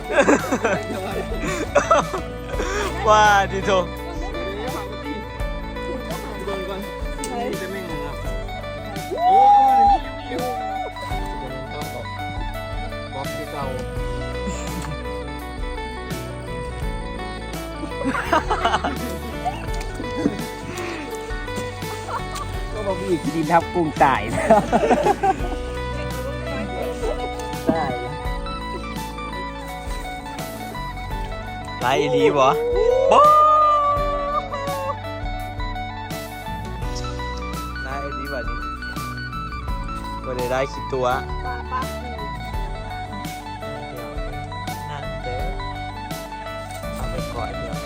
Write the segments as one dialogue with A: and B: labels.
A: ว่าดิโถ
B: ก็บอกอีกดินทับกุ้งตายแล้วได้
A: ไล่อีหลีบ่ไล่อีหลีแบบนี้บ่ได้ได้คิดตัวนั่นเด้อเอาไปก่อนเดี๋ยว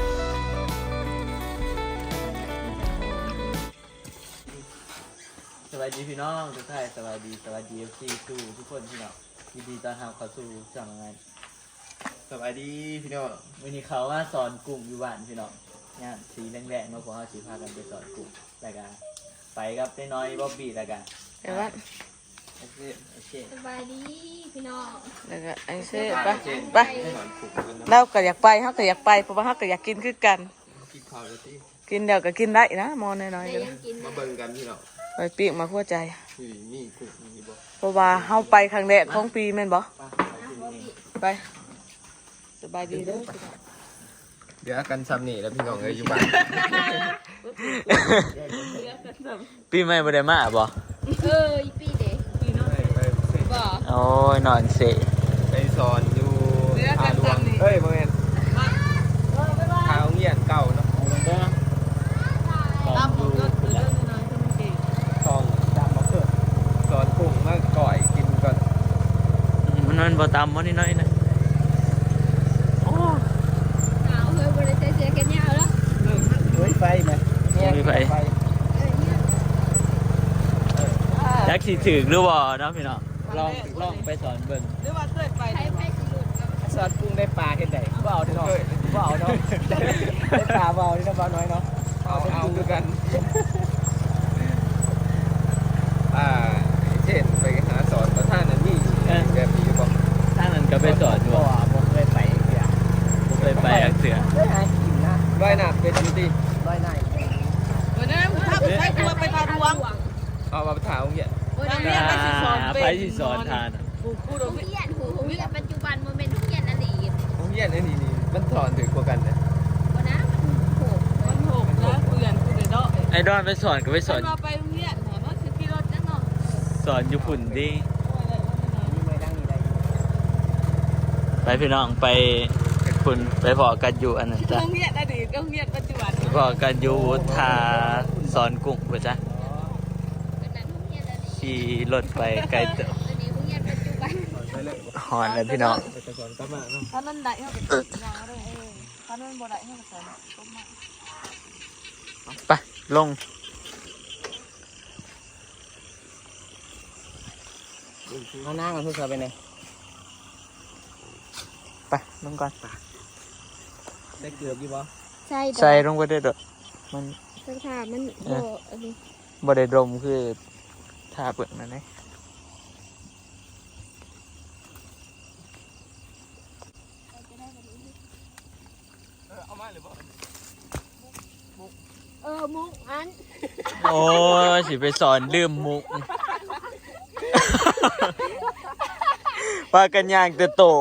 A: สวัสดีพี่น้องทุกท่านสวัสดีFC สู่ทุกคนพี่น้องยินดีต้อนรับเข้าสู่ช่องงานสวัสดีพี่น้องวันนี้เขาว่าสอนกลุ่มอยู่บ้านพี่น้องงานสีแดงๆมาพวกเขาสีพากันไปสอนกลุ่มแล้วกันไปกับน้อยบ๊อบบี้แล้วกัน
C: เดี๋ยวว่า
A: โอเค
D: สบายดีพี่น้อง
C: แล้วก็ไอ้เซ่ไปเราก็อยากไปเขาก็อยากไปเพราะว่าเขาก็อยากกินคือกัน
E: กินข้าวแล้วที่
C: กินเดี๋ยวก็กินได้นะมอน้อยๆ
D: แต่
C: ก็
D: ยังกิน
E: มาเบิ่งกันพี่น้อง
C: ไปปีกมาขั้วใจ
E: นี่กุ้งนี่บ่
C: เพราะว่าเขาไปครั้งแรกของปีแม่นบ่
A: ป้า
C: ไปสบายดีเด้อ
E: เดี๋ยวกันซ้ำนี่แล้วพี่น้องเอ้ยอยู่บ้าน
A: ปีใหม่บ่ได้มาบ่
D: อีปีเด็ก
C: บ่
A: โอ้ยนอนเสะ
E: ไปสอนอยู่ทางหลวงเฮ้ยบ่แม่นทางโรงเรียนเก่าเนาะ
C: ตามผมก็เรื่องน้อยๆที่มันเก่ง
E: ทองตามมาเกิดสอนกุ้งมาก่อยกินก่อน
A: มันบ่ตามบ่นิดหน่อยนะโอ้
D: หนาวเฮ้ยบริเตเสียกันยาวแล้ว
B: เฮ้ยไฟไหม
A: มีไฟจักสิถึกหรือบ่เนาะพี่น้องลองไปสอนเบิ่ง
C: หรือว่าเคยไป
D: ใครไปสิหลุดกับ
B: สอดกุ้งได้ปลาเห็นไหนเบาดิเนาะเบาเนาะได้ปลาเบาดิเนาะเบาน้อยเนาะ
E: เอาคือกันเช่นไปหาสอนประธานนั่นนี่แบบนี้บ่
A: ทางนั้นก็ไปสอนอยู่
B: บ่บ่เคยไปเสีย
A: บ่เคยไปอักเสือ
B: ได้หากินนะ
E: ว่ายน้ำเป็นอยู่ที่
B: ร้อยหน้า
C: วันนั้นถ้าไปตัวไปทางหลวง
E: เอามาถามโรงเรียน
C: วันนี้ไปสิสอน
A: ไปสิสอนทาน
C: ผู้โด
D: โรง
C: น
D: เรียนหูโรงเรียนปัจจุบันมันเป็นโรงเรียนอดีต
E: โรงเรียนไอ้นี่มันสอนถึงกว่ากันนะ
D: วันนะมันโห
C: มันหกนะเพื่อนกูเลยเนาะ
A: ไอ้ดอนไปสอนก็ไปสอน
C: มาไปโรงเรียนหาว่าคือขี่รถนั่นเนาะ
A: สอนอยู่ฝุ่นดิ
B: นี่ไม่นั่งนี่ได้
A: ไปพี่น้องไปฝุ่นไปพอกันอยู่อันนั้นจ้ะ
C: โรงเรียนอดีตโรงเรียนปัจจุบัน
A: พอกันอยู่ทาสอนกุ้งป่ะจ๊ะ
D: เป็นนั้นโรงเรียนอดีต
A: ขี่รถไปไกลเติบ
D: ตัวนี้โรงเรียนปัจจุบัน
E: ไปเลย
A: หอนเลยพี่น้อง
E: ไปสอนกลับมาเนาะ
C: ถ้านั่นได้เขาก็ยาวเลยถ้านั่นบ่ได้เขาก็ใส่ต้มมา
A: ไปลง
B: เอานั่งกันทุกคนไปไหน
A: ไปลงก่อน
B: ได้เกือบอยู่บ่
D: ใช่
A: ใส่ลงไปได้ดอกมัน
D: สถานมันโบอันนี้
A: บ่ได้ดมคือทาเปลือกนั่นเอง
E: เอามาหรือเปล่า
D: มุกอัน
A: โอ้ยสิไปสอนลืมมุกปากันย่างแต่โต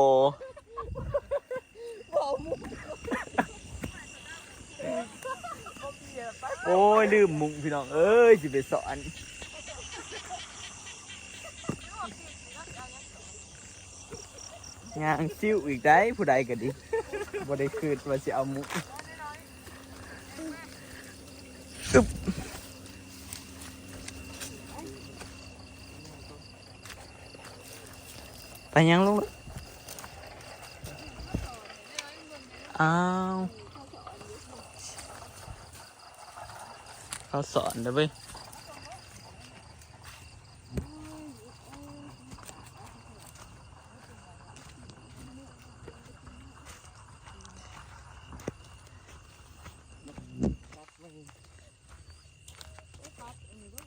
A: โอ้ยลืมมุกพี่น้องเอ้ยสิไปสอนย่างซิ่วอีกได้ผู้ใดก็ดีบ่ได้คืนว่าสิเอามุกอึ๊บไปยังลูกอ้าวเขาสอนนะเว้ย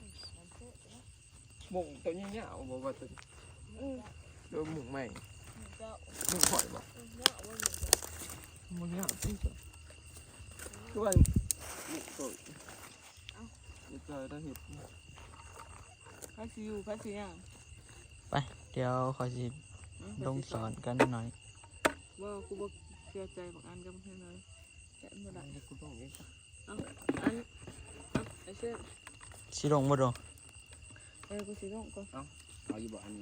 E: หมุงตัวนี้เนี่ยเอาบอกว่าตัวโดนหมุงใหม่
D: เจ้า
E: มึงข่อยบ่
D: เนาะว่ามัน
E: มึงเนี่ยพี่จ้ะคือว่านี่ตัวนี่เจอได้เห็ด
C: พาสิอยู่พาสิย่าง
A: ไปเดี๋ยวขอสิลงสอนกันหน่อย
C: ว่ากูบ่เสียใจบางอันกับเพิ่นเลยแกะบ่ได้
E: นี่กูต้องเอง
C: อันไอ้เช่น
A: สิลงบ่ดง
C: กูสิลงก่อน
B: เอาอยู่บ่อันนี้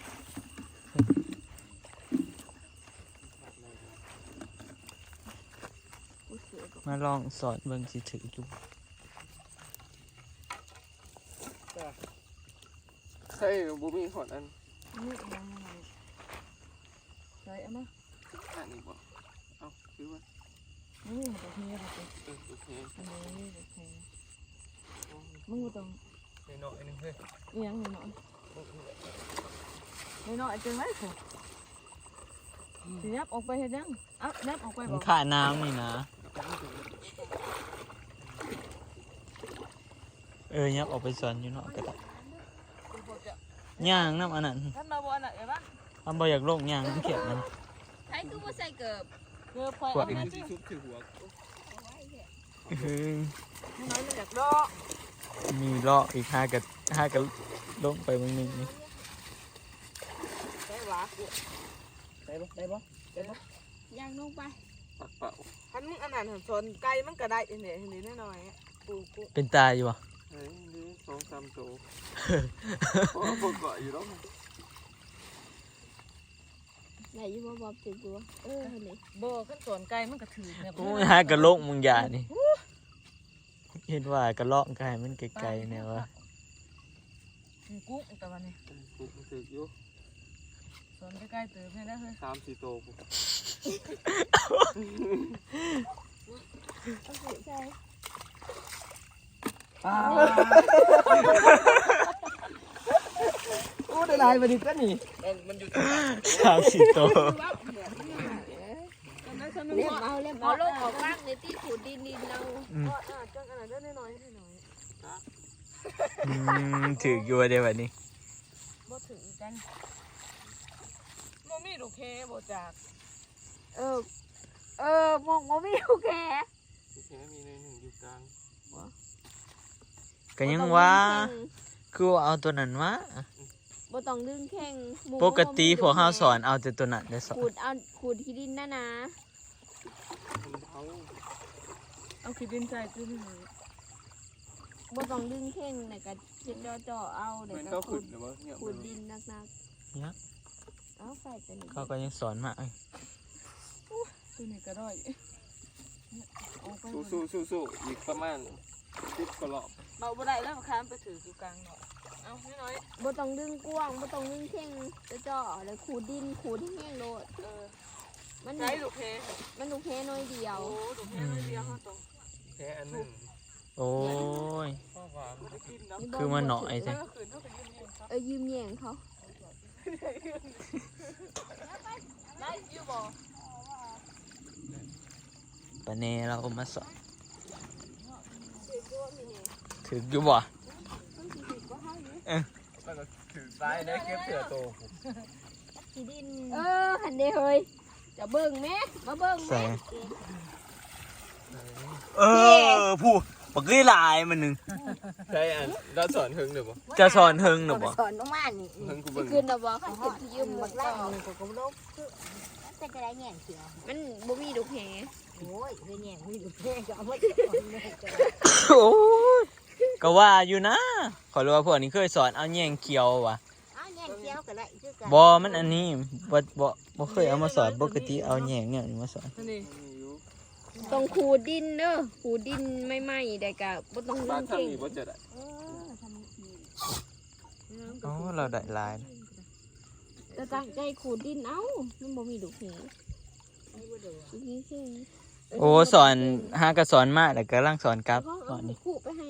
C: กูเสือก่อน
A: มาลองสอนเบิ่งสิถืออยู่
E: ใช่บูมีหอดอัน
C: นี่ยังไงใส่เอามา
E: อันนี้บ่เอาคือว่า
C: นี่มันจะเฮียแบบ
E: โอเค
C: อันนี้แบบแพงมึงบ่ต้อง
E: น้อยนึงเฮ้ย
C: อีหยังหน่อยน้อยจังได๋สิสิยับออกไปเฮ็ดหยังเอ้ายับออกไป
A: มั
C: บ่
A: นค่าน้ำนี่นะยับออกไปสอนอยู่เนาะก็ได้ย่างน้ำอันนั้น
C: ท่านมาบ่อันน่ะไอ้บ้าน
A: อันบ่อยากลงย่างมันเขียดมัน
D: ใช้ตู้มาใส่เกือบ
C: เกือบค่อย
A: กวา
C: เอา
A: ด
C: มา
A: นะ
C: สิ
E: ชุบถือหัว
C: น้อยมันอยากดอก
A: มีเลาะอีกห้ากับลงไปบางนึงนี่
C: ได้หวะ
B: ได้บ่ได้บ่ได้บ่
D: ย่างลงไป
E: ปักเป่า
C: คันมึงอันนั้นสนไก่มันก็ได้เห็นน้อยๆปูกู
A: เป็นตาอยู่วะ
E: เฮ้ยนี่2-3ตัวโอ้พวกเกาะอยู่แล้ว
D: ไหนอยู่บ่บอบถึงตัวนี่
C: บ่ขั้นสนไก่มันก็ถือเนี่ย
A: โอ้ยหากระโลกมึงอย่านี่เห็นว่ากระเลาะกายมันไกลๆเนี่ยวะ
C: กุ้งแต่วันนี้
E: กูถืออยู่
C: สนใกล้ๆเติมให้ได้เฮ้ย
E: 3-4ตัวกู
D: เอาสิใส่
B: โอ้ได้หลายบัดนี้กันนี่
E: มันอยู่
A: 30 ตัว
D: เล่มเอาลงออกว่างในที่ขูดดินเรา
C: จังอันนั้นได้น้อย
A: ถืออยู่เดี๋ยววันนี้
C: บ่ถือกันบ่มีลูกแค่บ่จาก
D: มองว่าไม่โอเค
E: แค่มีในหนึ่งอยู่กลาง
A: ก็ยังว่าคือว่าเอาตัวนั้นมา
D: บ่ต้องดึงแข้ง
A: ปกติพวกเฮาสอนเอาแต่ตัวนั้นได้สอน
D: ขูดที่ดินนะ
E: มันเท้า
C: เอาขี้ดินใส่ตื้อให้หน่อย
D: บ่ต้องดึงแข้งแต่ก็เช็ดจ่อเอาเดี๋ย
E: มัน
D: ว
E: ก็
D: ก็
E: ขุดหรือว่าเนี่ย
D: ขูดดินนัก
A: เนี่ย
D: ๆเอาใส่ตัวนี้
A: เขาก็ยังสอนมา
C: ตัวนี้ก็ได้ออกไป
E: สู้อีกประมาณ10กว่ารอบ
C: เบาบ่ได้แล้วมาค้ามไปถืออยู่กลางเนาะเอาน้อย
D: บ่ต้องดึงกว้างบ่ต้องดึงแข้งจ่อแล้วขูดดินขูดให้แห้งโลดมัน
C: ใช้ลูกแค่
D: มันลูกแค่น้อยเดียว
C: โอ้ลูกแค่เดียวเขาต้อง
E: แค่อันหนึ่ง
A: โอ้ย
E: ข้อความ
C: บ่ได้กินเนาะ
A: คือมันหน่อยใช่
C: เมื่อคืนเขาไปยืมเงินเขา
D: ยืมแย่งเขา
C: ได้อยู่บ่
A: ปะเนเรามาสอนถืออยู่บ่
E: มันก็ถือซ้ายได้เก็บเสือโต
D: ที่ดินหันเด้เฮ้ยจะเบิ่งแม่มาเบิ่ง
A: ใส่
D: แม่
A: ผู้บักลี่ลายมันนึง
E: ใช่อันเราสอนหึงหรือเปล่า
A: จะสอนเฮงหรือบ่
D: สอนน้องมานี่
E: หึงกู
D: สิ
E: เบิ่ง
D: ขึ้นดอกบ่คันขึ้นยืมบักล่าง
F: ก็บ่ลบคือมันจะได้แง่งเขียว
D: มันบ่มีลูกแห
F: โอ้ยได้แง่งมีลูกแง่งก็เอามาเก็บเอาแม่จะ
A: โอ้ยก็ว่าอยู่นะขอรู้ว่าพวกนี้เคยสอนเอาแยงเขียวว่ะ
F: เอาแง่งเขียวก็ได้คือกัน
A: บอมันอันนี้บ่เคยเอามาสอนปกติเอาแยงเนี่ยมาสอน
C: นี่
D: ต้องขูดดินเด้อขูดดินไม่ไหม้ได้ก็บ่ต้องดึ
E: บ้าน
D: ง
E: ถ้า
D: เข่ง
E: มีบ่จะได้
F: เออทำที
A: อ๋อเราได้ลาย
D: จะตั้งใจขูดดินเอามันบ่มีลูกแห
F: ไม่บ่เด้อ
D: มีแค่
A: โอ้สอนหากระสอนมาแต่ก็ลังสอนกลับ
D: ก็
A: ส
D: เอา
A: อนนี่
D: ขูดไปให้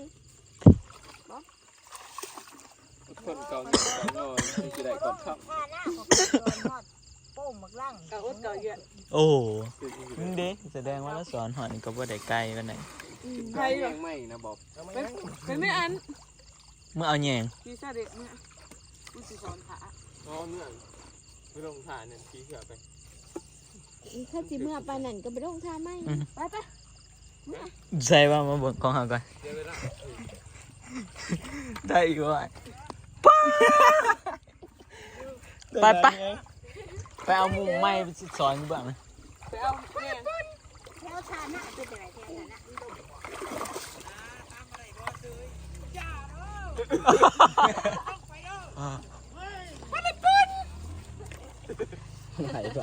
E: คนเก่าเก่านอนที่จะได้ก่อนครับ
F: ถ้าหน้าของคนนอดโป้งมักล่าง
C: กะอดกะเยอะ
A: โอ้มึงเด้แสดงว่าเราสอนหอนก็บ่ได้ไกลปานใด
E: ใครยังไม่นะบอก
C: เป็นไม่อัน
A: เมื่อเอาแยง
C: พี่ซาเด็กเนี่ยกูสิสอนขา
E: อ๋อเนื่องไม่ลงทานเนี่ยขี้เสือไป
D: ถ้าสิเมื่อปานนั่นก็ไปลงท่าไหมไป
A: ใส่ว่ามาเบิ่งของเฮาก่อน
E: เดี๋ยวเวลา
A: ได้อีกว่าไปไปเอามุมไม้ไปสอนอยู่บ้างนะ
F: ไปเอาเนี่ยแถวชาหน้าเป็นยังไงแถวชาหน้า
A: ไหนบ่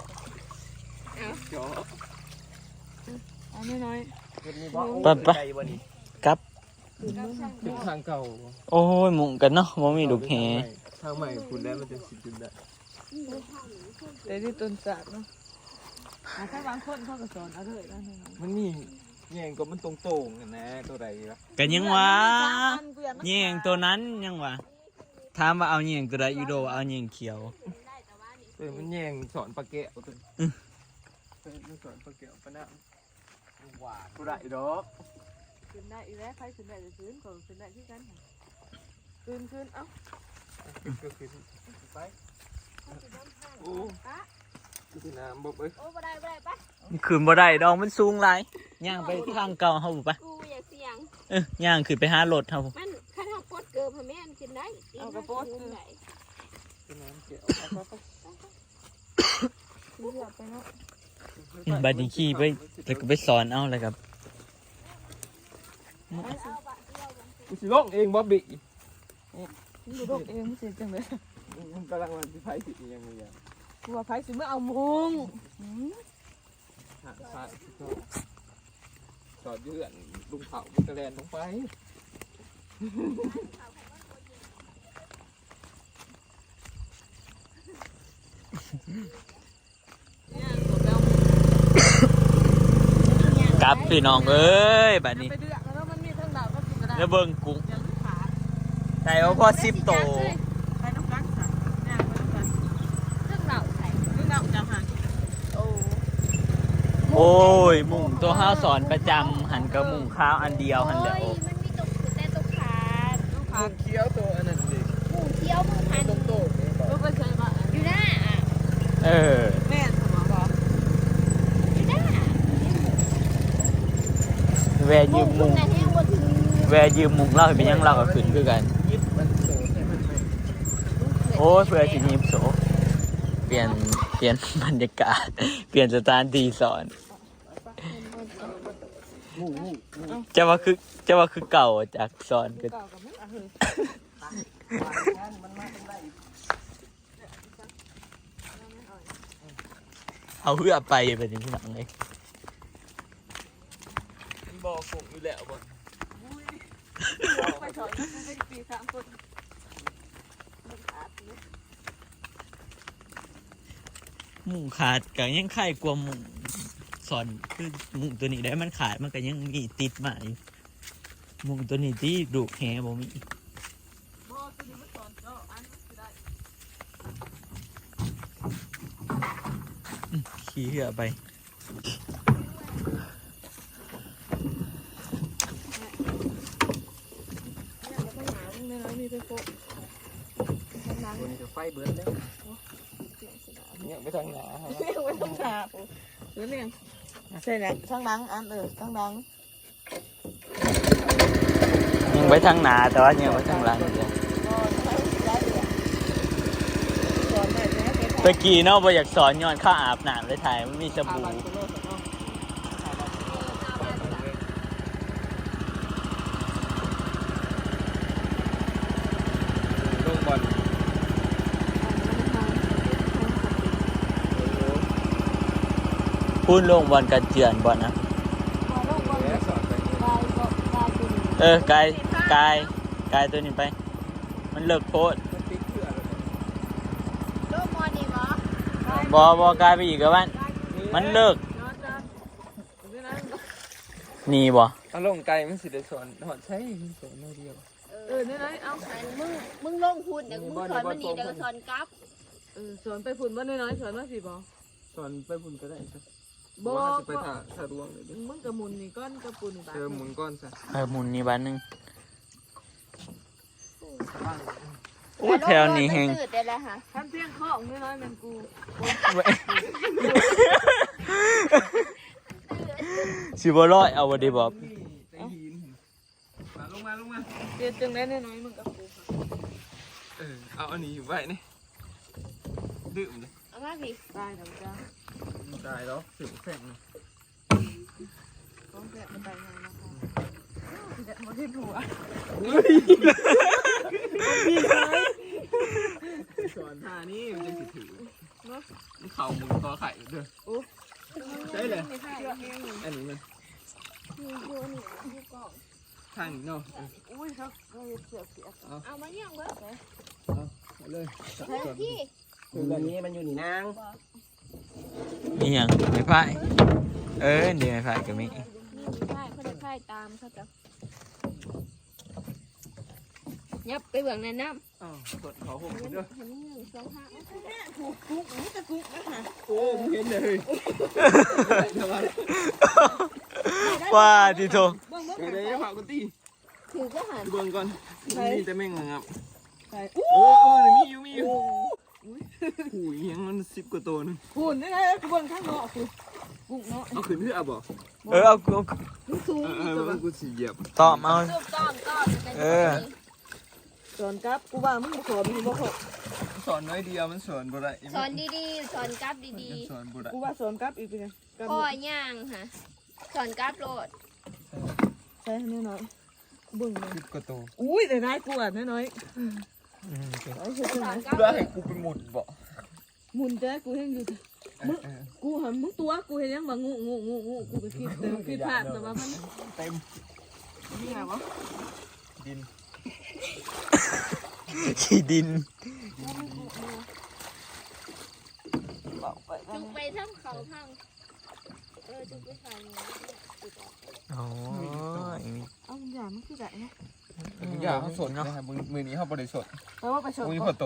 C: อันน้อย
A: ไปกลับ
E: ถึงทางเก่า
A: โอ้ยมุงกันเนาะบ่มีลูกแห
E: ทางใหม่คุณได้มันจะสิบจุดได้
C: ๆแต่ที่ต้นจากเนาะถ้าบางคนเขาก็สอนเอาเลยนะ
E: มันมีแย่งก็มันตรงๆกันนะตัวใดวะ
A: กันยังวะแยงตัวนั้นยังวะถามว่าเอาแยงตัวใดอีโดเอาแยงเขียว
E: มันแย่งสอนปลาแก้วตัวมันสอนปลาแก้วปลาหน้าหวานตัวใดดอก
C: ขึ้นได้อีแล้วใครขึ้นได้จะขึ้นก็ขึ้นได้ที่กันขึ้นเอ้า
E: ก็คือไปโอ้คือน้ำบอกเอ้ย
D: โอ้บ่ได้ปะ
A: ขึ้นบ่ได้ดอกมันสูงหลายย่างไปทางเก่าเฮาบ่ปะ
D: กูอยากเสี่ยง
A: ย่างขึ้นไปหารถเฮา
D: มันคันเฮาปดเกิบให้แม่นกินได้เอากระโปดคือไหน
E: คือน้ำแก้วเอาไป
A: บัดนี้ขี่ไปแล้วก็ไปสอนเอาเลยครับ
E: กูสิลงเองบ๊อบบี้
C: ดูดกเองไม่เสร็จจังเลย
E: มันกำลังวันที่ไพ่สิยังไงอย่าง
C: กลัวไฟสิเมื่อเอามุง
E: หาพระจอดยืนลุงเผามันกระแลนลงไป
A: กลับพี่น้องเอ้ยบัดนี้
C: ไปเดือดแล้วมันมีทั้งดาวก็กินกระดาษ
A: แล้วเบิ่งกุ้งได้ว่าพอ10โต
C: ไปน้ำกันค่ะเนี่ยไปน้ำกัน
D: เครื่องเหล่าใส่
C: นึกเอาจังหัน
D: โอ้
A: โอ้ยมุงตัวห้าสอนประจำหันกับมุงข้าวอันเดียวหันแหล้ว
D: มันมีตกแต่ตกขาด
E: มึงเคี้ยวตัวอันนั้นดิ
D: หมูเคี้ยวหมูพัน
E: ตรงโต๊ะนี่บอก
C: ลูกไปเคยมา
D: อยู่หน้าอ่ะ
A: เออ
C: แม่สมองบอก
D: อยู่หน้า
A: แวยืมมุง
D: แต่แห้งบ่ถึง
A: แวยืมมุงเล่าให้เป็นยังเล่ากับขึ้นคือกัน
E: ยิบมันโตให้มันไม่
A: โอ้ยเพื่อสิยิบโสเปลี่ยนบรรยากาศ เปลี่ยนสถานที่สอนจะว่าคือเก่าจากสอนก็
C: เก่ากับไม่เอาเลย
A: เอาเพื่อไปแบบนี้พี่น้องเลย
E: มันบอกคงอยู่แล้วบ่
C: ไปถอยไปปี3 คน
A: มุงขาดก็ยังไข่กลัวมุงสอนคือมุงตัวนี้ได้มันขาดมันก็ยังมีติดมาอยู่มุงตัวนี้ที่ดูแหบ่มี
C: บ่ตัวนี้มันสอนเนาะอันสิได้
A: ขี่เหือไป
C: เนี่ยแล้วมีไปโฟก
E: ตัวนี้จะไฟเบิร์ดเลยเนี่ยไปทางหนาครับ
C: เรียกไว้ต้องหาหรือเนี่ยใช่แล้วทั้งดังอันทั้งดัง
A: ยังไว้ทางหนาแต่ว่ายังไว้ทางหลังอยู่ตะกี้เนาะบ่อยากสอนย้อนข้าอาบน้ำเลยถ่ายมันมีสบู่
E: ลงบอล
A: พูดลงบอลกันเจือนบอลนะ
E: แล้วสอนไป
A: กายตัวนี้ไป มันเลิกโพส
E: มันติ๊กเพื่ออะไร
D: โลกมอนี่บ่
A: บอกายไปอีกแล้วมันเลิกนี่บ่
E: เอาลงไกลมันสิได้สอนหอดใช้สอนไม่เดียว
C: นี่นะเอา
D: มึงลงพูดเดี๋ยวมึงสอนมันนี่เดี๋ยวก็สอนกลับ
C: สอนไปฝุ่นบ้านน้อยๆสอนมาสิบ่
E: สอนไปบุญก็ได้ครับ
C: บ่
E: ว่าจะไปถ่าดวงเลยดิ
C: มึงกับมุนนี่ก้อนกับปุ่นนี่บาท
E: หมุนก้อนซะ
A: หมุนนี่บ้านนึง
C: ต
A: โอ้แถวนี้แฮง
D: ตื่นได้แล้วค่ะ
B: ทำเพียงของน้อยๆมันกู
A: สิบ่ร้อยเอาบ่ได้บ่
E: ลงมา
B: เดี๋ยวจึงได้น้อยๆมันกับกู
E: เอาอันนี้อยู่ไว้นี่ดื่มเลย
D: เอามาพี่
B: ตายแล้วจ้า
E: ได้แล้วถึงแข่งเลย
B: ต้องแกะมันตายยังนะคะแกะมาที่หัว
E: สอนท่านี่มันจะถือมันเข่ามือคอไข่เด้อใช่เลยอันนี้มัน
D: มีอยู่นี่อยู่กล่อง
E: ทางนี้เนาะ
B: อุ้ยครับเสีย
D: เอามาเนี่ยเบิด
E: เอาเลย
D: พี่
B: คือแบบนี้มันอยู่นี่นาง
A: มีหยังไม่พายเดี๋ยวไม่พายก็มี
D: นี่ไพ่เขาได้ไพ่ตามเขาจะยับไปเบื้องในน้ำ
E: อ้าวกดเขาผม
D: เห็น
E: เด้อ
D: 1 2 5
E: โอ้มึงเห็นเลย
A: ว่าที่โท
E: เดี๋ยวฝากกูตี
D: ถือก็หัน
E: เบิ่งก่อนมีแต่แม่งงับ
B: ใช่
E: มีอยู่หูยยังมัน10 กว่าตัวนึง
B: คุณนี่ไงกูเบิ่งข้างนอกกูกุ้งเนาะ
E: เอาขึ้นเพื่อบ่
A: เอากู
B: มันสูง
E: มันกูสิเหยียบ
A: ตอบเอา
D: รูปก้อนเป็น
B: สอนครับกูว่ามึงบ่ขอมึงบ่ขอ
E: สอนน้อยเดียวมันสอนบ่ได้
D: สอนดีๆสอนกราฟดี
E: สอนบ่ได้
B: กูว่าสอนครับอีกเป็นไง
D: ๆพ่อย่างค่ะสอนกราฟโหลด
B: ใช่น้อยๆเบิ่งเลย
E: 10 กว่าตัว
B: อุ้ยแต่นายกูอ่ะน้อยๆไอ้เฮ็ดจัง
D: ส
B: ได๋
D: อนกราฟ
E: เพื่อให้กูไปหมุนบ่
B: หมุนแต่กูเห็นอยู่กูหันมึงตัวกูเห็นยังว่างูกูก็คิดแต่คิดพลาดแต่ว่ามัน
E: เต็ม
B: นี่ไงวะ
E: ดิน
A: ขี้ดิน
B: บอกไปกั
D: จุ
B: น
D: กไปทำเขาพังจุกไปทางนี้
A: โอ้ย
B: เอาอย่างมันคือได้นะ
E: อยากเขาสดนะครับมือนี้เขาบ่ได้สด
B: แปลว่าไปชน
E: มือพอโต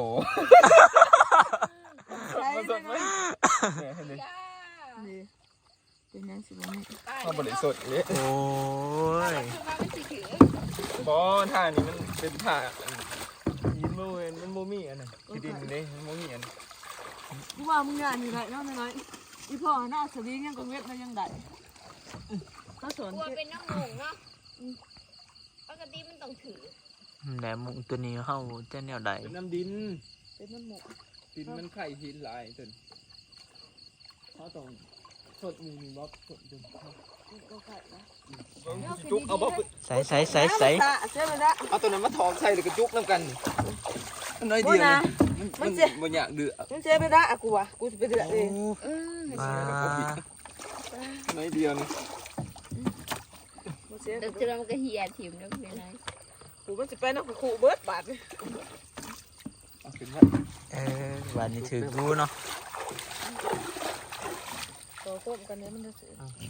B: ใช่ไหม
E: เห็นเลย
B: นี่เป็นยังสิบ่นี่
E: เขาบ่ได้สดเลย
A: โอ้ย
E: บ่ท่านี้มันเป็นท่ายินมือมันโมมี่อันนั้นที่ดินนี่มันโมมี่อัน
B: กูว่ามึงงานอยู่ไหนน้อยๆอีพ่อหน้าสวิงยังก็เว็บมันยังได้เขาสอน
D: กลัวเป็นน้ำหมูเนาะปกติมันต้องถือ
A: แหนมุงตัวนี้เฮาจะแนวใด
E: เป็นน้ำดิน
B: เป็นมันหมก
E: ดินมันไข่หินหลายจนเขาต้องสดมือมีบล็อกสดจน
B: ก็ไข่นะ
E: จุกเอาบล็อก
A: ใส่ใส่
B: ใช่ไหมล่ะ
E: เอาตัวนั้นมาทองใส่แล้วก็จุกน้ำกันมันน้อยเดียวมันบ่อยากเดือด
B: มึงเจ๊ไม่ได้อะกูวะกูจะไปเดือดเอง
A: มา
E: น้อยเดียวนี่
B: มึงเจ๊
D: เดี๋ยวเจอมันก็เหี่ยถิ่มแล้วเป็นไร
B: กูมันจะไปนักขู่เบิร์ดบาท
E: เอาขึ้นมา
A: วันนี้ถือกูเนาะ
B: ต่อต้มกันเนี้ยมันจะเสีย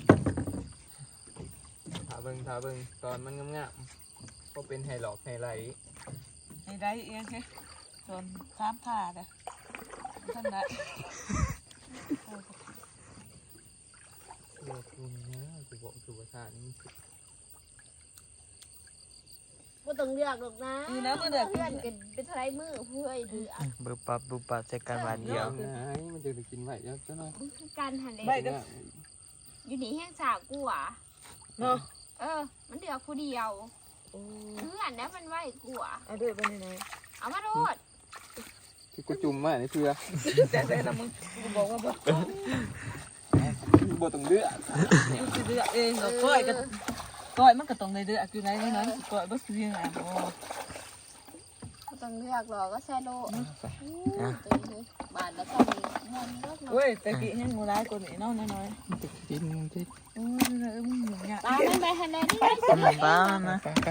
E: ถาเบิ่งตอนมันงามๆก็เป็นไฮหลอกไฮไลท์
B: ไอ้ได้เองแค่ส่วนข้ามผ่าเด้อท่านได้
E: เลือกคุณนะกูบอกคือว่าท่านี้
D: ก็ต้องเลือกหรอกนะเพื่อนกันเป็นไรมือเพื่อนดื้อ
A: บึบปับใส่กันวันเดียว
E: มันจะไปกินไหวแล้วจ้ะหน่อย
D: การหันเลย
B: ไม่ก็
D: อยู่นี่แห้งสาวกูอ่ะ
B: เนาะ
D: มันเดือดผู้เดียวเพื่อนนะมันไหวกูอ่ะ
B: เอาเดือดไปไหน
D: เอามาโทษ
E: ที่กูจุ่มมาในเพื่อ
B: แต่ละมึงกูบอกว่าบ่
E: บ่ต้องเลือด
B: กูจะเดือดเองก็ก้อยกันก้อยมันก็ต้องได้เดือดอยู่ไหนน้อยก้อยบ่ซื้อยังไงโอ้
D: ก็ต้องเลือกหรอก็แซ่โลบาทแล้วก็มีเงินเลือกเนาะ
B: เว้ยแต่กี้ยังงูร้ายกว่านี้เนาะน้อย
E: กินกิน
B: ๆโอ้ยมึงอย่างเงี้ย
D: ตาไม่ไปหันเลยนี่ได้สิ
A: บ้านะ
E: ไป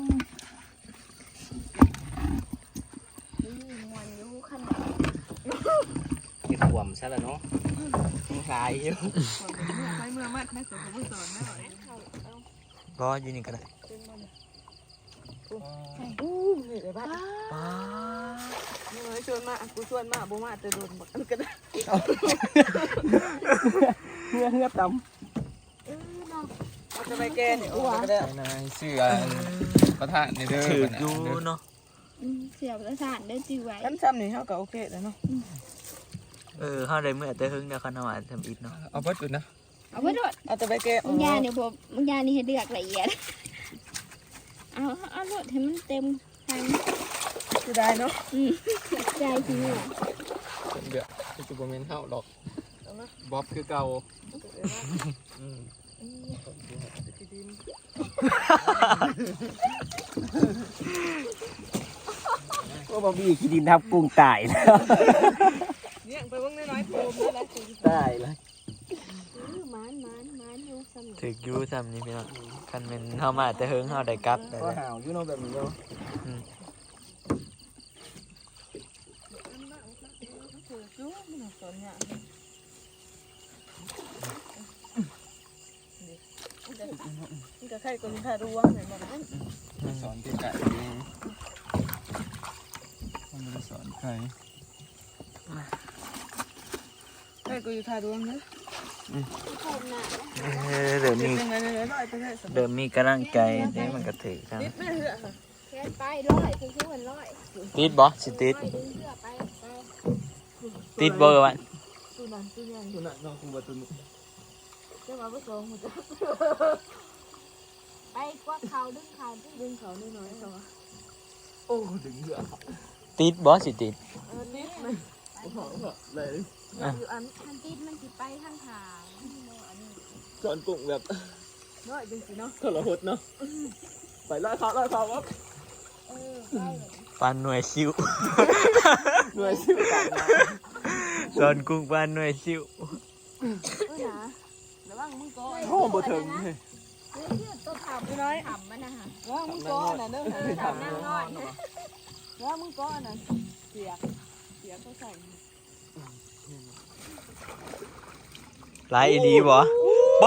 D: มวนอยู่ขนาด
B: กินห่วมซะแล้วเนาะคลายอยู่ไปเมื่อมัดแม่สอนผู้สอนแม่หน่อย
A: รออยู่นี่ก็ได้
B: อู้นี่เลยบ้าน
A: ป้า
B: น้อยชวนมากูชวนมาบ่มาแต่โดนบักอันก็ได้เฮือต่ำเอาจะไปแกนี่อ้วก็ได้
E: นายเสื้อประธานในเด้อ
A: ถือกูเนาะ
D: เสียบประสานได้จื้อไว้
C: กันซ้ำนี่เฮาก็โอเคแล้วเนาะ
A: เข้าได้เมื่อแต่หึงเดี๋ยวคันเอาทำอีกเนาะ
E: เอาเบิดอยู่นะ
D: เอาไว้โดด
C: เอาแต่ไปแกะ
D: บางยาเนี่ยผมบางยานี่ให้เลือกละเอียดเอาโดดให้มันเต็มทาง
C: คือได้เนาะ
D: ใจจริงอ่ะ
E: เดี๋ยวจะบ่แม่นเฮาดอกบ๊อบคือเก่าอืมว่าบอบบี้ขี้ดินทับกุ้งตายแล้ว
C: เนี่ยไปเบิ่งน้อยๆโพมนั่นแหละ
E: ตายแล้ว
D: มันอยู่เสมอ
A: ถึกยูซ้ำนี่พี่น้องคันเป็นเข้ามาแต่หึงเข้าได้กลับได้
E: ก็
A: เลย
E: ห่าวอยู่เนาะแบบนี้เนาะ
C: นี่ก็ใครก็มีท่าร่วงแม่นบ่นั้น
E: สอนที่ไก่เองมันไม่ได้สอนใคร
C: ใครก็อยู่ท่าร่วงเด้อ
A: เดี๋ยวมี
C: เป็นไงน้อยๆไปได้สบาย
A: เดี๋ยวมีกำลังใจเดี๋ยวมันก็ถือครับ
C: นิดแม่เหือค่ะ
D: แค่ไปร้อยคือมันร้อย
A: ติดบ่สิติด
D: ร้อยดึงเสื้อไป
A: ติดบ่วะ
C: ตู้นั้นตู้ยัง
E: ตัวนั้นน้องคุณบัตุน
C: จะมาบ่สองหมดจ้ะ
D: ไปกวักเขาดึงเขา
C: ดึงเขาน้อยๆเขาว่า
E: โอ้ดึงเหลือ
A: ติดบ่สิติด
C: นิดแม่
E: โอ้โหเลย
C: อยู่อัน
D: ทันติดมันสิไปทางขาง
E: สอนกุ้งแบบ
C: น้อยจังสิเนาะ
E: ทรหดเนาะไปไล่เขาวับ
A: ปานหน่วยซิว
E: หน่วยชื่อต่างนะ
A: สอนกุ้งปานหน่วยซิว
C: นะระวังมึงก่อน
E: โอ้บ่ถึงเลย
D: ตัวขำ
C: น้อย
D: ขำมันนะฮะ
C: ระวังมึงก่อนน่ะเด้อ
E: ทำนั่งนอน
C: ระวังมึงก่อนน่ะเสียกเขาใส่
A: หลายอีหลีบ่บ่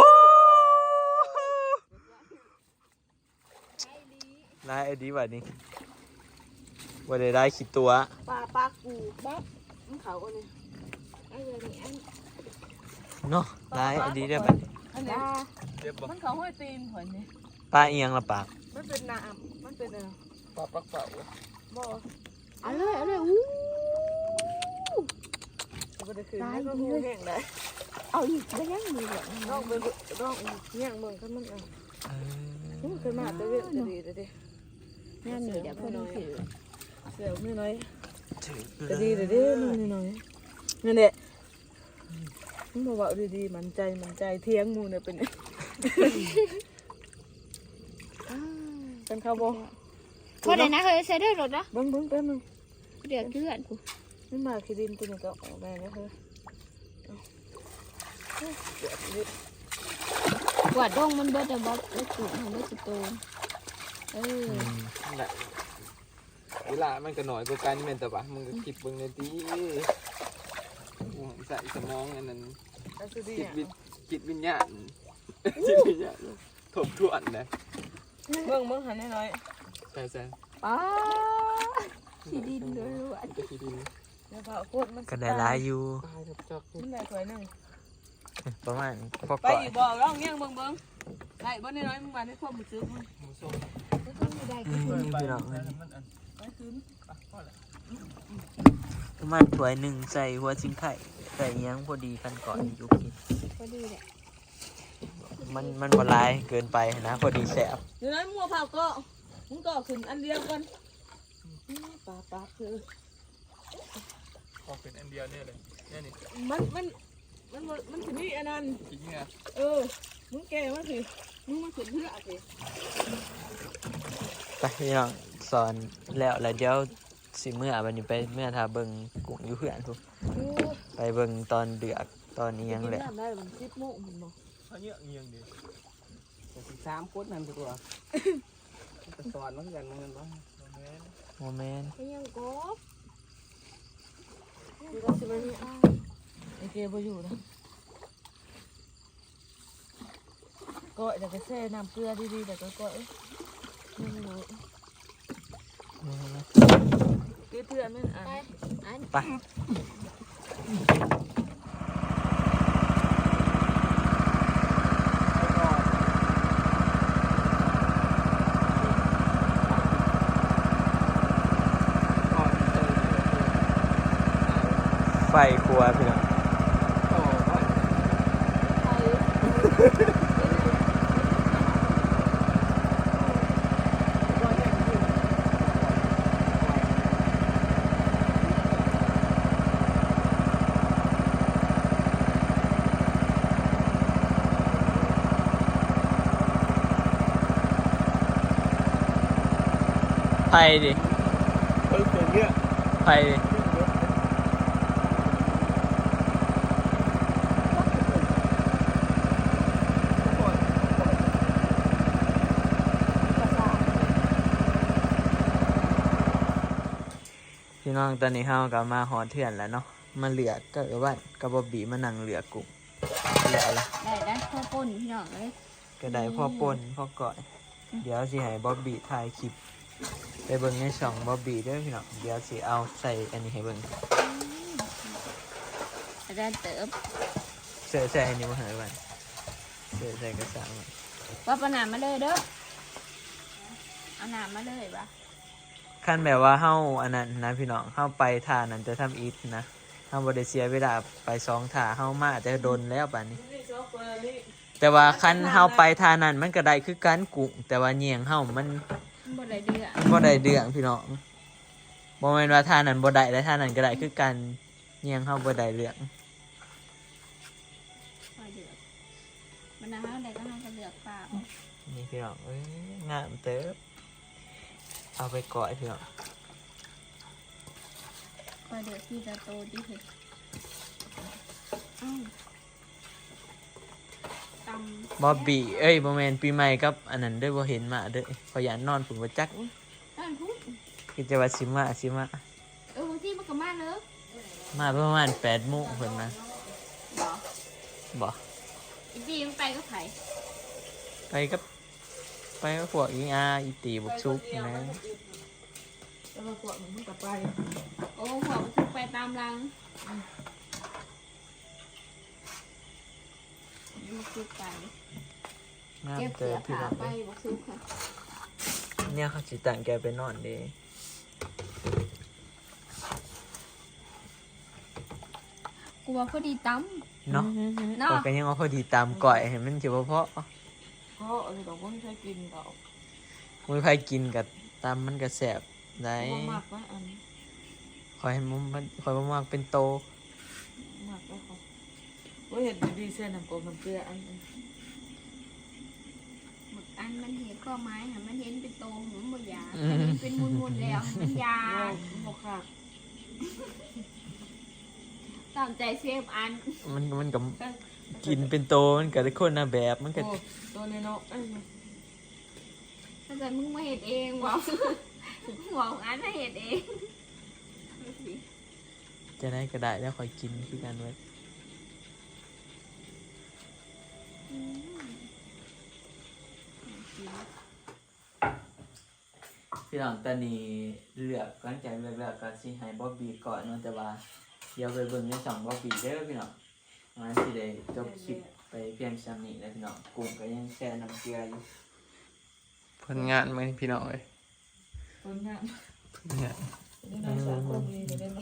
A: หลายอีหลีบัดนี้บ่ได้คิดตัว
C: ปลากูบ๊อบมึงเขาอันนี้
D: ไอ้เรื่องนี้อัน
A: เนาะหลายอีหลีได้อบัดนี้
C: อันนี้
E: เจ็บบ่
C: มันเขาห้อยตีนหอยนี่
A: ปลาเอียงละปาก
C: มันเป็นน้ำมันเป็นอะไร
E: ปลาปักเป่า
C: บ่
D: เอาเลยอู้
C: บ่ได้คืนแล้วก็หูแห้งได้
D: เอาอีกก็ยังมีเลย
C: น้องไปน้องย่างเมืองกันมันอ่ะเคยมาแต่เว้ยจะดีเด้
D: งานนี้เดี๋ยวเพื่อนถือ
C: เสียวไม่น้อย
A: ถือ
C: จะดีเด้น้องน้อยนั่นแหละมึงบอกว่าดีๆมันใจเที่ยงมูเนี่ยเป็นเป็นข้าวบ่
D: พอได้นะเคยใช้ด้วยรถนะ
C: เบิ้งแป๊บนึง
D: เดือดเพื่อนกู
C: นี่มาคิดินตัวนี้ก็ออกมาแล้วเฮ้ย
D: กวาดดงมันเบิดแต่บ๊อบแล้วกูทำได้สุดโต
E: นั่นแหละเวลามันก็หน่อยกว่ากันแม่นแต่ว่ามึงก็คิดเบิ่งในตีใส่สมองอันนั้น
C: แล้วคือดี
E: จิตวิญญาณจิตวิญญาณทบทวนนะ
C: เบิ้งหันน้อย
E: ใช่ใช่
D: ป้าขี้ดินล้วน
E: จะคิดดี
C: ๆแล้วพอโคตรมัน
A: ก็ได้หลายอยู่
E: ตายจับจับ
C: มันได้ถ้วยนึง
A: ประมาณพอ
C: ไป
A: ก่อน
C: อีกบ่ร้องเงี้ยงเบิ้งได้บ่น้อยมึงมาได้ความมือซื้อมึง
E: หมูส้ม
D: ไม่ต้องมีได้ก็คือ
A: พี่น้อง
C: ไปคืน
A: ประมาณถ้วยหนึ่งใส่หัวซิงไข่ใส่เอียงพอดีกันก่อนยุกิน
D: พอดีแหละ
A: มันบ่หลายเกินไปนะพอดีแซ่บ
C: เดี๋ยวนั้นมัวเผาก็มึงก็ขึ้นอันเดียวกันปลาคือ
E: ออกเป็นอันเดียวเนี่ยเลยเนี่ยนี่
C: มันถึงนี่อันนั้น
E: จริงอ่ะ
C: มึงแกมาสิมึงมาขึ้นเพื่อสิ
A: ไปพี่น้องสอนแล้วเดี๋ยวสิเมื่อวันนี้ไปเมื่อทาเบิงกุ้งอยู่เพื่อนทุกไปเบิงตอนเดือกตอนนี้ยังแหละ
C: กินน้ำได้มัน10 โมงมันบ่
E: เขาเยอะเงียงดิ3คนนั่นตัวจะสอนมันกันมันบ้าง
A: โมเมนต์
D: ก็ยังกบ
C: อยู่ก็สิมานี่ไอ้เกบ่อยู่นะก็เดี๋ยวก็แช่น้ำเกลือดีๆเดี๋ยวก็ก้อยไม่รู้เพื่อนมันอ่ะ
D: ไปอัน
A: ไปไฟครัวพี่น้อง
E: โอ้ย
A: ไฟดิ
E: เฮ้ยเป็นเงี้ย
A: ไฟดิพี่น้องตอนนี้เฮาก็มาหอเถื่อนแล้วเนาะมาเหลือก็ว่ากับบอบบี้มานั่งเหลือกุ้งเหลืออะไร
D: ได้ข้าวปุ้นพี่น้องเลย
A: ก็ได้พ่อป่นพ่อก่อย เดี๋ยวสิให้บอบบี้ถ่ายคลิปไปเบิ่งในช่องบอบบี้เด้อพี่น้องเดี๋ยวสิเอาใส่อันนี้ให้เบิ่ง
D: ได้เติบ
A: ใส่อันนี้มาให้ไว้ใส่กระสังไว้
D: ว่าประนามมาเลยเด้อเอาหนามมาเลยปะ
A: ขั้นแบบว่าเฮาอันนั้นนะพี่น้องเฮาไปท่านั้นจะทำอีทนะเฮาบ่ได้เสียเวลาไป2ท่าเฮามาแต่โดนแล้วบัดนี้ แต่ว่าคันเฮาไปท่านั้นมันก็ได้คือการกุ้งแต่ว่าเหยียงเฮามัน
D: บ่ได้เดือ
A: บ่ได้เดืองพี่น้องบ่แม่นว่าท่านั้นบ่ได้และท่านั้นก็ได้คือการเหยียงเฮาบ่ได้เรื่อง
D: คอยเดือดมันนะฮะใดก็ให้เขาเลือกปลา
A: นี่พี่น้องเอ้ยงามเติบเอาไปก่อยพี่น้อง
D: คอยเดือดที่จะโตที่เห็ดอ้าวตำ
A: บอบบี้เอ้ยบ่แม่นปีใหม่กับอันนั้นเด้อบ่เห็นมาเด้อขอยอยากนอนผมบ่จัก
D: นั่นพูด
A: คิดจะว่าสิมา
D: บางทีมันก็มาเลิก
A: มาประมาณ8:00 นเพิ่นนะ
D: บ่
A: บ่
D: อีกทีมันไปก็ไผ่
A: ไปกับพวกอีอาอีตีบุกซุกนะ
C: แล้วมาขวดมันกลับไป
D: โอ้หัวมันคือไปตามรังมันคือไป
A: งาม
D: เก็บ
A: เติ
D: เสือบ
A: พี่
D: ขา
A: น้อง
D: ไปบกซุกค่ะ
A: เนี่ยเขาสิตั้งแกไปนอนเด้
D: กลัวพอดีตั้ม
A: เนาะ
D: เนาะ
A: ข้อยก็ยังเอาพอดีตามก่อยให้มันสิบ่พอ
C: เพราะอะไรดอกว่าไม่ใช่กินดอก
A: มื้อไผกินกับตามมันก็แซ่บได้
C: ว่ามากนะอัน
A: ขอยให้มันขอยบ่มักเป็นโต
C: มากแล้วเขาว่าเห็นดีๆเส้นน้ำกลมน้ำเกลืออัน
D: หมึกอันมันเห็นข้อไม้ค่ะมันเห็นเป็นโตหัวมันยามันเห็นเป็นมุนๆแล้วมันยา
C: โมกขาด
D: ตามใจเซฟอัน
A: มันก็กินเป็นโตมันก็ได้คนละแบบมันก็
C: โอ้ตัวในนกเอ้ย
D: ถ้าเกิดมึงมาเห็ดเองบอกบอกอันให้เห็ดเอง
A: จะได้ก็ได้แล้วขอยกินคือกันเว้ยพี่น้องตอนนี้เลือกหลังจากเลือกแล้วก็สิให้บ๊อบบี้ก่อนเนาะแต่ว่าเดี๋ยวไปเบิ่งในช่องบ๊อบบี้เด้อพี่น้องงั้นสิได้จบคลิปไปเพียงซ้ำนี้แล้วพี่น้องกุ้งก็ยังแช่น้ำเกลืออยู่
E: ผลงานไหมพี่น้องเอ้ย
C: คนงาน
E: เนี่ย
C: นี่น้องสาวคนดีจะได้ไหม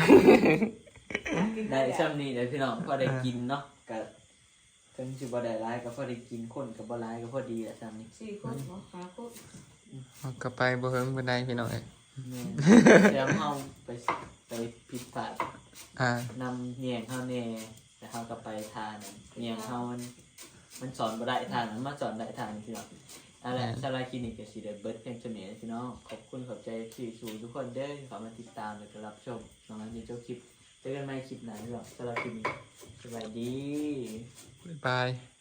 A: ได้ซ้ำนี้เดี๋ยวพี่น้องพอได้กินเนาะก็ถึงสิบ่ได้หลายก็พอได้กินคนก็บ่หลายก็พอดีแหละซ้ำนี้
C: 4 คนเนาะขาคน
E: เอากลับไปบ่เฮิงบ่ได้พี่น้องเอ้ย
A: แม่นแล้วเฮาไปผิดพลาด
E: อ่าน
A: ำเนียงเฮาแน่แต่เฮาก็ไปทานนั้นเนียงเฮามันสอนบ่ได้ทางนั้นมาสอนได้ทางนี้พี่น้องอะไรสลายคลินิกก็สิได้เบิดเพียงเท่านี้พี่น้องขอบคุณขอบใจที่สู่ทุกคนเด้อที่เข้ามาติดตามและก็รับชมน้องอันนี้จบคลิปเจอกันใหม่คลิปหน้าพี่น้องสำหรับคลิปนี้สวัสดี
E: บ๊ายบาย